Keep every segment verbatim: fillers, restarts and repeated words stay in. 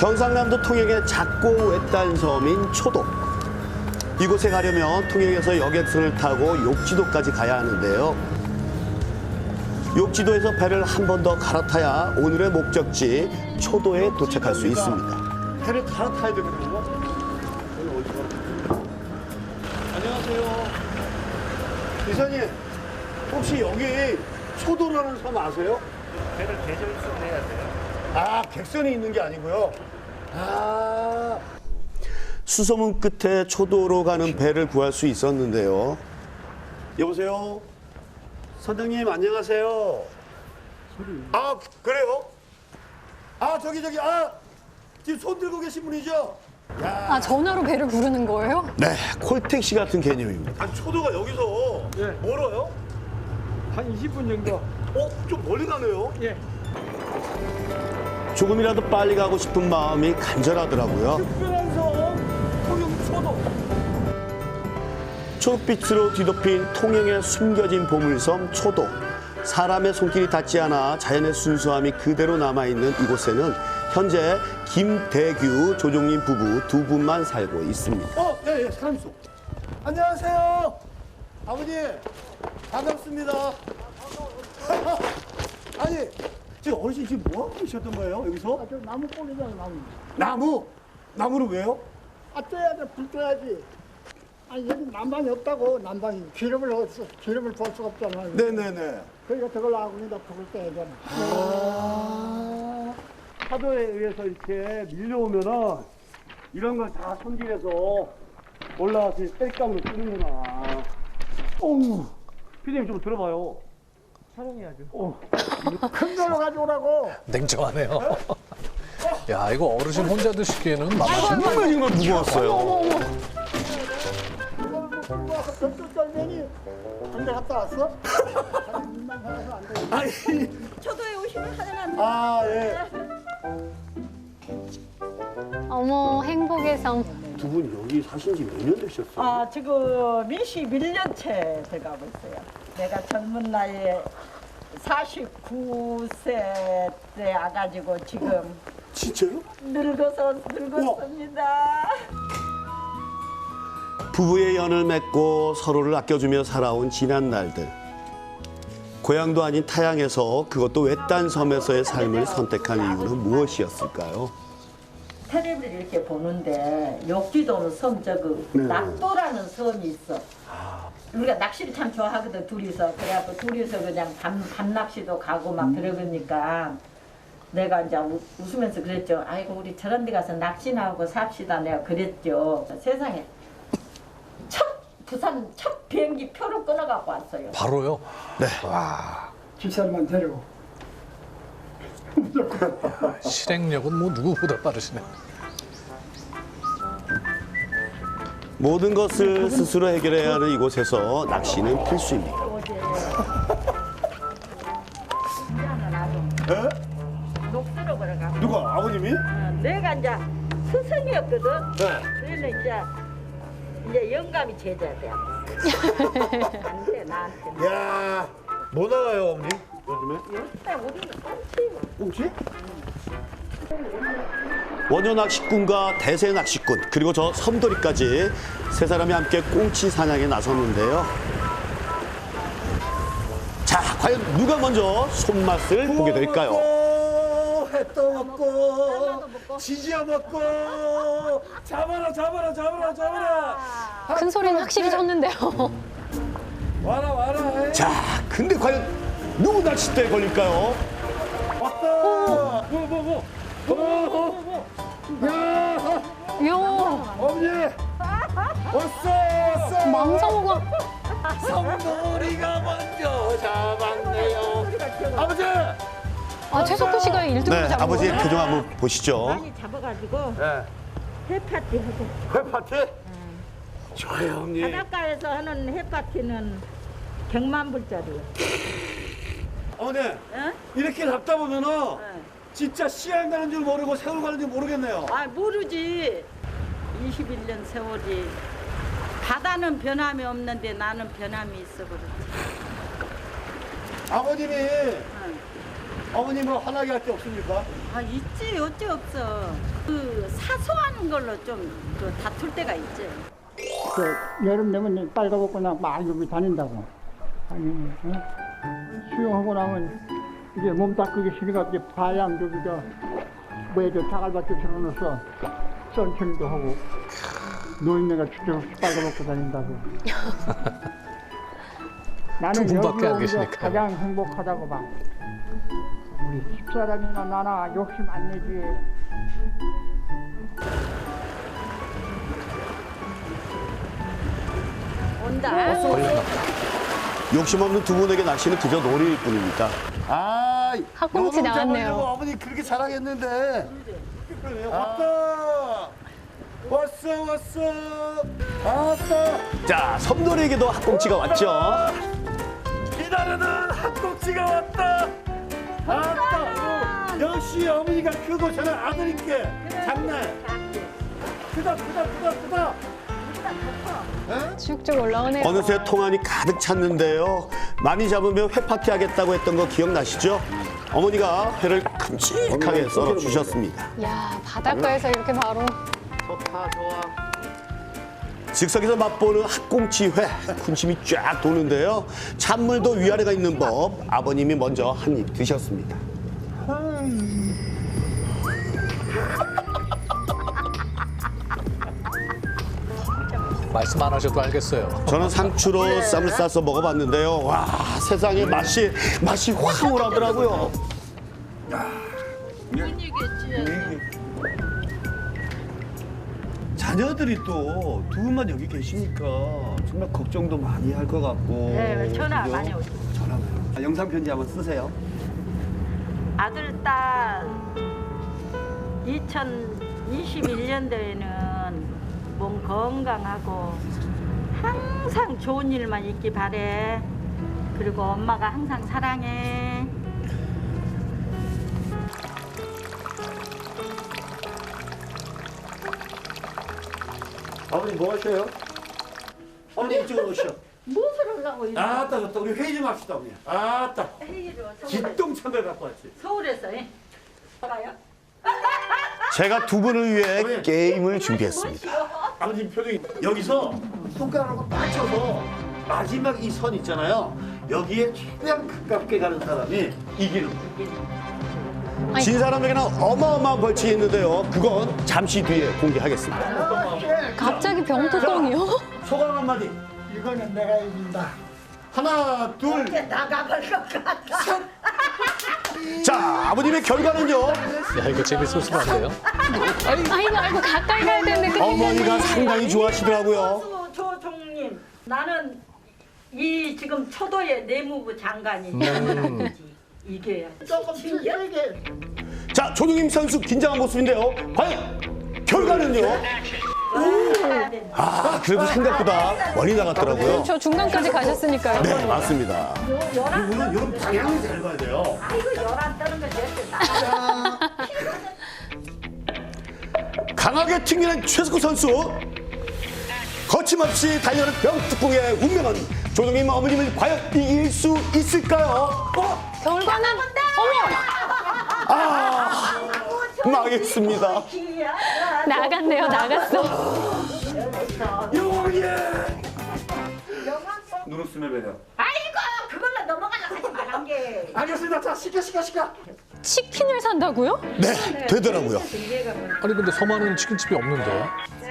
경상남도 통영의 작고 외딴 섬인 초도. 이곳에 가려면 통영에서 여객선을 타고 욕지도까지 가야 하는데요. 욕지도에서 배를 한 번 더 갈아타야 오늘의 목적지 초도에 도착할 수 있습니다. 배를 갈아타야 되거든요. 안녕하세요. 기사님, 혹시 여기 초도라는 섬 아세요? 배를 계절선해야 돼요. 아, 객선이 있는 게 아니고요. 아, 수소문 끝에 초도로 가는 배를 구할 수 있었는데요. 여보세요? 선장님, 안녕하세요. 아, 그래요? 아, 저기, 저기, 아, 지금 손 들고 계신 분이죠? 아, 전화로 배를 부르는 거예요? 네, 콜택시 같은 개념입니다. 아니, 초도가 여기서 예. 멀어요? 한 이십 분 정도. 어, 좀 멀리 가네요? 예. 조금이라도 빨리 가고 싶은 마음이 간절하더라고요. 특별한 섬, 통영 초도. 초록빛으로 뒤덮인 통영의 숨겨진 보물섬 초도. 사람의 손길이 닿지 않아 자연의 순수함이 그대로 남아있는 이곳에는 현재 김대규, 조종님 부부 두 분만 살고 있습니다. 어, 예, 예, 사람 있어. 안녕하세요. 아버님, 반갑습니다. 아니, 지금 어르신 지금 뭐 하고 계셨던 거예요, 여기서? 아, 저 나무 꼬리잖아, 나무. 나무? 나무는 왜요? 아, 떼야 돼, 불 떼야지. 아니, 여기 난방이 없다고, 난방이. 기름을, 없어, 기름을 부을 수가 없잖아. 네네네. 그러니까 저걸 아군이다 불을 떼야 되나. 아, 파도에 의해서 이렇게 밀려오면은 이런 걸 다 손질해서 올라와서 땔감으로 쓰는구나. 어우, 피디님 좀 들어봐요. 촬영해야죠. 어. 큰 걸로 가져오라고. 냉정하네요. 야, 이거 어르신 혼자 드시기에는 맛있네. 정말 정말 무거웠어요. 이걸 뭐 끌고 와서 저쪽 썰매니 한대 갔다 왔어? 아니, 입만 살아서 안 돼. 아니, 초도에 오시면 하나는 아, 예. 어머, 행복의 섬. 두 분 여기 사신 지 몇 년 되셨어요? 아 지금 이십일 년째 돼가고 있어요. 내가 젊은 나이에 사십구 세 때 와가지고 지금 진짜요? 늙어서 늙었습니다. 부부의 연을 맺고 서로를 아껴주며 살아온 지난 날들. 고향도 아닌 타양에서 그것도 외딴 섬에서의 삶을 선택한 이유는 무엇이었을까요? 텔레비를 이렇게 보는데 욕지도는 섬 저그 네. 낙도라는 섬이 있어. 우리가 낚시를 참 좋아하거든 둘이서. 그래갖고 둘이서 그냥 밤, 밤 낚시도 가고 막 들어가니까 내가 이제 우, 웃으면서 그랬죠. 아이고 우리 저런 데 가서 낚시나 하고 삽시다 내가 그랬죠. 세상에 첫 부산 첫 비행기 표를 끊어갖고 왔어요. 바로요? 네. 집사람만 데리고. 실행력은 뭐 누구보다 빠르시네. 모든 것을 스스로 해결해야 하는 이곳에서 낚시는 필수입니다. 예? 녹두로 걸어가. 누가? 아버님이? 어, 내가 이제 스승이었거든. 네. 그래서 이제 이제 영감이 제자야. 안돼 나한테. 야, 뭐 나가요, 어머니? 요즘에? 요새 우리는 꽁치. 꽁치? 원효 낚시꾼과 대세 낚시꾼 그리고 저 섬돌이까지 세 사람이 함께 꽁치 사냥에 나섰는데요. 자, 과연 누가 먼저 손맛을 보게 될까요? 먹고, 햇도 먹고, 지지야 먹고, 잡아라, 잡아라, 잡아라, 잡아라. 큰 소리는 확실히 쳤는데요. 와라, 와라. 자, 근데 과연 누구 낚싯대에 걸릴까요? 왔다. 뭐, 뭐, 뭐. 뭐, 뭐, 뭐. 야, 이야, 어머니. 왔어, 왔어. 망상어가. 성돌이가 먼저 잡았네요. 아버지. 아, 최석구 씨가 일 등으로 네, 잡은 아버지의 거예요? 표정 한번 보시죠. 많이 잡아가지고 네. 해파티 하고. 회파티? 좋아요, 어머니. 바닷가에서 하는 해파티는 백만 불짜리요. 어머니, 응? 이렇게 잡다 보면은 진짜 씨알 가는 줄 모르고 세월 가는 줄 모르겠네요. 아 모르지. 이십일 년 세월이 바다는 변함이 없는데 나는 변함이 있어 그렇지. 아버님이 어머님을 화나게 할 게 없습니까? 아 있지 어째 없어. 그 사소한 걸로 좀 그 다툴 때가 있지. 그 여름 되면 빨가벗고 나막 여기 다닌다고. 아니, 어? 수영하고 나면 이제 몸 닦기 싫으니까 이제 바양 저기 저 뭐야 저 자갈밭에 들어놓어서 선천도 하고 노인네가 주저없이 빨가벗고 다닌다고. 나는 두 분밖에 여기 안 오면서 계시니까요. 가장 행복하다고 봐. 우리 집사람이나 나나 욕심 안 내지. 온다. 욕심 없는 두 분에게 낚시는 그저 놀이일 뿐입니다. 아, 학꽁치 요놈 나왔네요. 잡으려고 어머니 그렇게 자랑했는데. 왔다. 왔어, 왔어. 왔다. 자, 섬돌이에게도 학꽁치가 왔죠. 기다리는 학꽁치가 왔다. 왔다. 역시 어머니가 크고 저는 아들인게 잡네. 크다, 크다, 크다, 크다. 쭉쭉 올라오네요. 어느새 통안이 가득 찼는데요. 많이 잡으면 회 파티 하겠다고 했던 거 기억나시죠? 어머니가 회를 큼직하게 썰어 주셨습니다. 야, 바닷가에서 이렇게 바로. 즉석에서 맛보는 학꽁치 회, 군침이 쫙 도는데요. 찬물도 위아래가 있는 법, 아버님이 먼저 한 입 드셨습니다. 말씀 안 하셔도 알겠어요. 저는 상추로 쌈을 싸서 먹어봤는데요. 와, 세상에 맛이 맛이 확 올라오더라고요. 자녀들이 또 두 분만 여기 계시니까 정말 걱정도 많이 할 것 같고. 네, 전화 그죠? 많이 오죠. 전화요. 아, 영상 편지 한번 쓰세요. 아들 딸 이천이십일 년도에는 몸 건강하고 항상 좋은 일만 있기 바래. 그리고 엄마가 항상 사랑해. 아버님 뭐 하셔요? 어머니 이쪽으로 오시오. 무엇을 하려고 이렇게 아따, 좋다. 우리 회의 좀 합시다, 어머니. 아따. 회의를 서울에, 기똥찬걸 갖고 왔지. 서울에서 해. 가요? 제가 두 분을 위해 게임을 준비했습니다. 아버님 표정이 여기서 손가락으로 맞춰서 마지막 이 선 있잖아요. 여기에 최대한 가깝게 가는 사람이 이기는 거예요. 진 사람에게는 어마어마한 벌칙이 있는데요. 그건 잠시 뒤에 공개하겠습니다. 갑자기 병뚜껑이요? 소감 한마디. 이거는 내가 이긴다. 하나, 둘, 나가볼 것 같아. 자, 아버님의 결과는요. 야, 이거 재밌을 수가 없네요. 아이고, 아이고, 가까이 가야 되는데. 큰일 어머니가 났네. 상당히 좋아하시더라고요. 가수 조종님, 나는 이 지금 초도의 내무부 장관이 장관이 이게 조금 세게. 자, 조동임 선수 긴장한 모습인데요. 과연 결과는요? 아, 그래도 생각보다 멀리 나갔더라고요. 저 중간까지 가셨으니까요. 네, 맞습니다. 이분은 이런 방향을 잘 봐야 돼요. 아이고 열안 떠는 거 됐어. 나 강하게 튕기는 최석구 선수. 거침없이 달려는 병뚜껑의 운명은 조동임 어머님을 과연 이길 수 있을까요? 어? 결과는 어머 아, 망했습니다. 나갔네요, 나갔어. 영웅이야. 누르스메 배려. 아이고 그걸로 넘어가려고 하지 말란 게. 알겠습니다. 자, 시켜, 시켜, 시켜. 치킨을 산다고요? 네, 되더라고요. 아니 근데 서만은 치킨집이 없는데.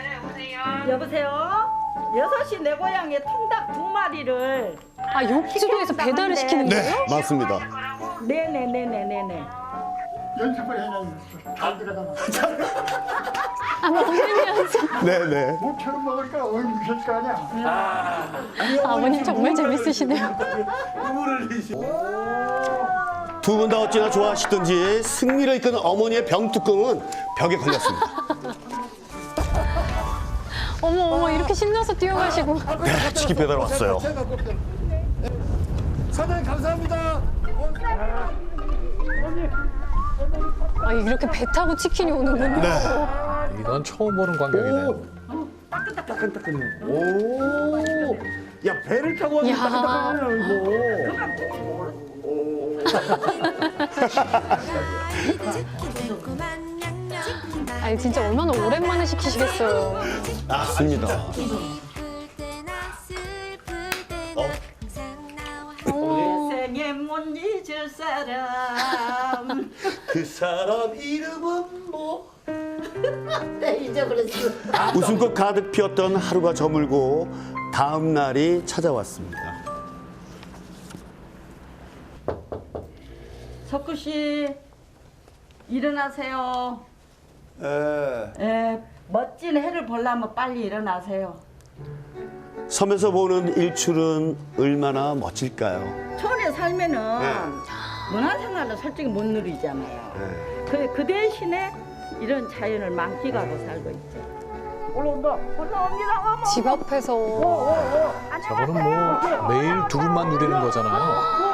여보세요. 여섯 시 내 고향에 통닭 두 마리를. 아, 욕지도에서 배달을 시키는 네, 거예요? 맞습니다. 네네네네네네. 연습을 해놔. 잘 들어가나. 아, 먹는 연습. 네네. 목처럼 먹으니까 얼굴 미칠 거 아니야. 아버님 정말 재밌으시네요. 눈물을 흘리시. 두 분 다 어찌나 좋아하시던지 승리를 이끄는 어머니의 병뚜껑은 벽에 걸렸습니다. 어머, 어머, 이렇게 신나서 뛰어가시고. 네, 치킨 배달 왔어요. 사장님 감사합니다. 아, 이렇게 배 타고 치킨이 오는군요. 네. 이건 처음 보는 광경이네요. 따끈따끈해. 오. 야, 배를 타고 왔는데 야. 따끈따끈하네요, 이거. 아니 진짜 얼마나 오랜만에 시키시겠어요. 맞습니다. 생에 못 잊을 사람. 그 사람 이름은 뭐? 네, 잊어버렸어. 웃음꽃 가득 피었던 하루가 저물고 다음 날이 찾아왔습니다. 석구 씨, 일어나세요. 에. 예, 멋진 해를 보려면 빨리 일어나세요. 섬에서 보는 일출은 얼마나 멋질까요? 초원에 살면은 문화생활을 솔직히 못 누리잖아요. 그, 그 대신에 이런 자연을 만끽하고 살고 있죠. 올라온다. 올라옵니다. 어머. 집 앞에서 저거는 뭐 매일 두 분만 누리는 거잖아요.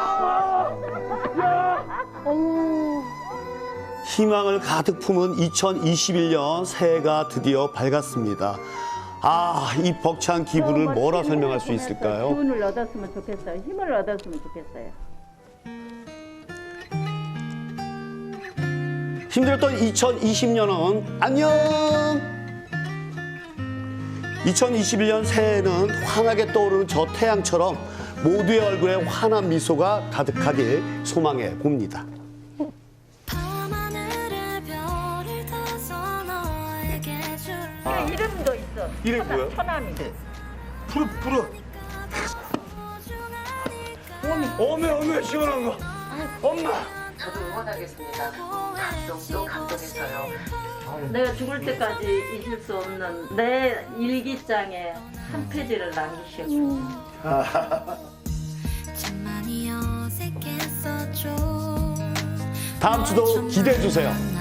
어머. 희망을 가득 품은 이천이십일 년 새해가 드디어 밝았습니다. 아, 이 벅찬 기분을 뭐라 설명할 수 있을까요? 기운을 얻었으면 좋겠어요. 힘을 얻었으면 좋겠어요. 힘들었던 이천이십 년은 안녕! 이천이십일 년 새해에는 환하게 떠오르는 저 태양처럼 모두의 얼굴에 환한 미소가 가득하길 소망해 봅니다. 그 이름도 있어. 이름이 뭐예요? 처남이. 푸르 푸르. 어메 어메 시원한 거. 엄마. 저도 응원하겠습니다. 감동도 감동했어요. 내가 죽을 때까지 잊을 수 없는 내 일기장에 한 페이지를 남기시오. 다음 주도 기대해 주세요.